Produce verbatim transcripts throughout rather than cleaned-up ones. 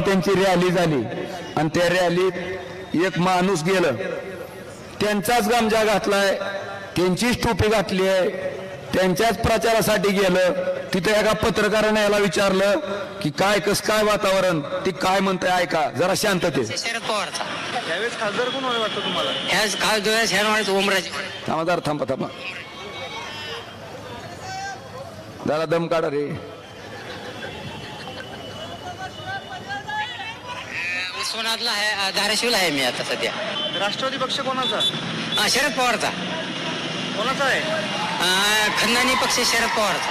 त्यांची रॅली झाली आणि त्या रॅलीत एक माणूस गेलं, त्यांचाच गमजा घातलाय, त्यांचीच टोपी घातली आहे, त्यांच्याच प्रचारासाठी गेलं. तिथे एका पत्रकाराने याला विचारलं की काय कस काय वातावरण, ती काय म्हणते ऐका जरा शांतते. शरद पवारचा यावेळेस खासदार कोण होईल वाटतं तुम्हाला? ह्याच खासदार शहर ओमराजे. थांबा जरा थांबा थांबा जरा दम काढा रे. उस्मानाबादला आहे, धाराशिवला आहे मी आता सध्या. राष्ट्रवादी पक्ष कोणाचा? हा, शरद पवारचा. कोणाचा आहे? हा, खंदानी पक्ष शरद पवारचा.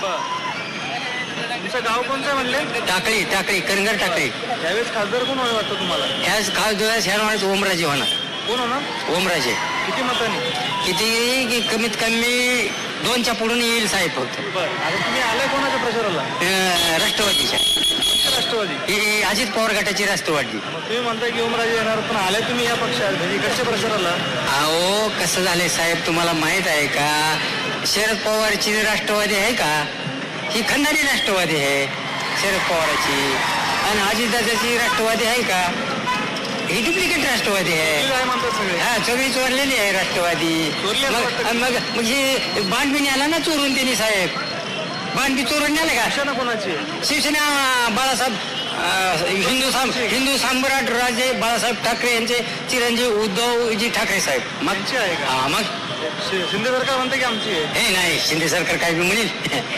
तुमचं गाव कोणतं म्हणले? टाकळी टाकळी कनगर टाकळी. यावेळेस खासदार कोण होईल वाटतं तुम्हाला? ह्याच खासदार शहर ओमराजे होणार. कोण होणार? ओमराजे. किती मतांनी? किती की कमीत कमी दोनच्या पुढून येईल साहेब फक्त. बरं, आता तुम्ही आलाय कोणाच्या प्रचाराला? अं, राष्ट्रवादीच्या. राष्ट्रवादी. ही अजित पवार गटाची राष्ट्रवादी. मग तुम्ही म्हणताय की ओमराजे येणार, पण आलाय तुम्ही या पक्षात, म्हणजे इकडच्या प्रचाराला? अहो कसं झालंय साहेब, तुम्हाला माहित आहे का शरद पवारची राष्ट्रवादी आहे का? ही खंडारी राष्ट्रवादी आहे शरद पवाराची. आणि अजितदादाची राष्ट्रवादी आहे का? ही डुप्लिकेट राष्ट्रवादी आहे. काय म्हणतात सगळे? हा, सगळी चोरलेली आहे राष्ट्रवादी. चोरली असं मग वाटतं? मग मग हे बांध बी न्याला ना चोरून त्यांनी साहेब. बांध बी चोरून न्याले का? शिवसेना कोणाची? शिवसेना बाळासाहेब अं, हिंदू साम हिंदू सम्राट राजे बाळासाहेब ठाकरे यांचे चिरंजीव उद्धवजी ठाकरे साहेब. मग आमची आहे का? हा, मग शि- शिंदे सरकार म्हणते की आमची आहे. हे नाही, शिंदे सरकार काय बी म्हणेल.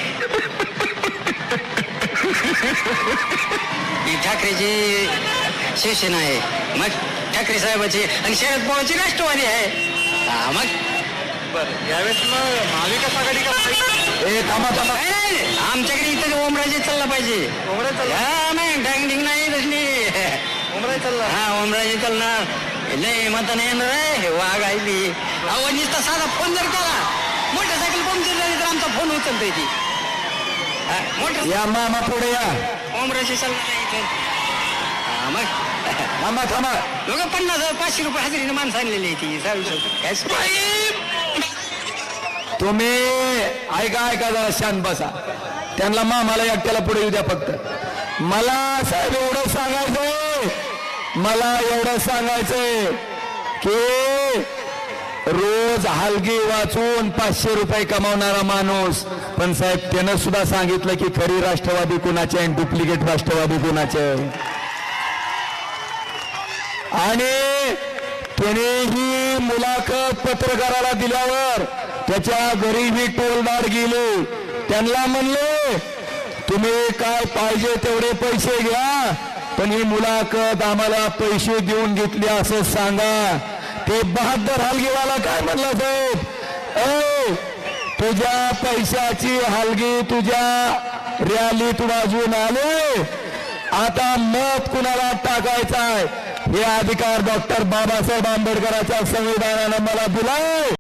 ही ठाकरेची शिवसेना आहे, मग ठाकरे साहेबाची. आणि शरद पवारची राष्ट्रवादी आहे. हा, मग बरं, यावेळेस मग महाविकास आघाडी का? ए थांबा थांबा नाही, नाही, आमच्याकडे इथं ओमराजे चालला पाहिजे. ओमराजे चालला? हा, नाही डांगडिंग नाही तसली. ओमराजे चालला? हा, ओमराजे चालणार. लय मत नाही येणार आहे. वाघ आहे ती. अहो नुसता साधा फोन जर केला, मोटरसायकल पंक्चर झाली तर आमचा फोन उचलतोय ती. हा, मोटर या मामा पुढे या. ओमराजे चालणार आहे इथे. हा, मग थांबा थांबा लोक पन्नास पाचशे रुपये हजेरीने माणसं आणलेली आहे ती. साहेब तुम्ही ऐका ऐका जरा शांत बसा. त्यांना मामाला एकट्याला पुढे येऊ द्या फक्त. मला साहेब एवढं सांगायचंय, मला एवढं सांगायचंय की रोज हलगी वाचून पाचशे रुपये कमावणारा माणूस, पण साहेब त्यानं सुद्धा सांगितलं की खरी राष्ट्रवादी कुणाचे आणि डुप्लिकेट राष्ट्रवादी कुणाचे. आणि त्याने ही मुलाखत पत्रकाराला दिल्यावर त्याच्या घरी ही टोलदार गेले. त्यांना म्हणले तुम्ही काय पाहिजे तेवढे पैसे घ्या, पण ही मुलाखत आम्हाला पैसे देऊन घेतली असं सांगा. ते बहादर हलगीवाला काय म्हणला साहेब, ए तुझ्या पैशाची हलगी तुझ्या रॅलीत वाजवून आले, आता मत कुणाला टाकायचा आहे हे अधिकार डॉक्टर बाबासाहेब आंबेडकरांच्या संविधानानं मला दिलाय.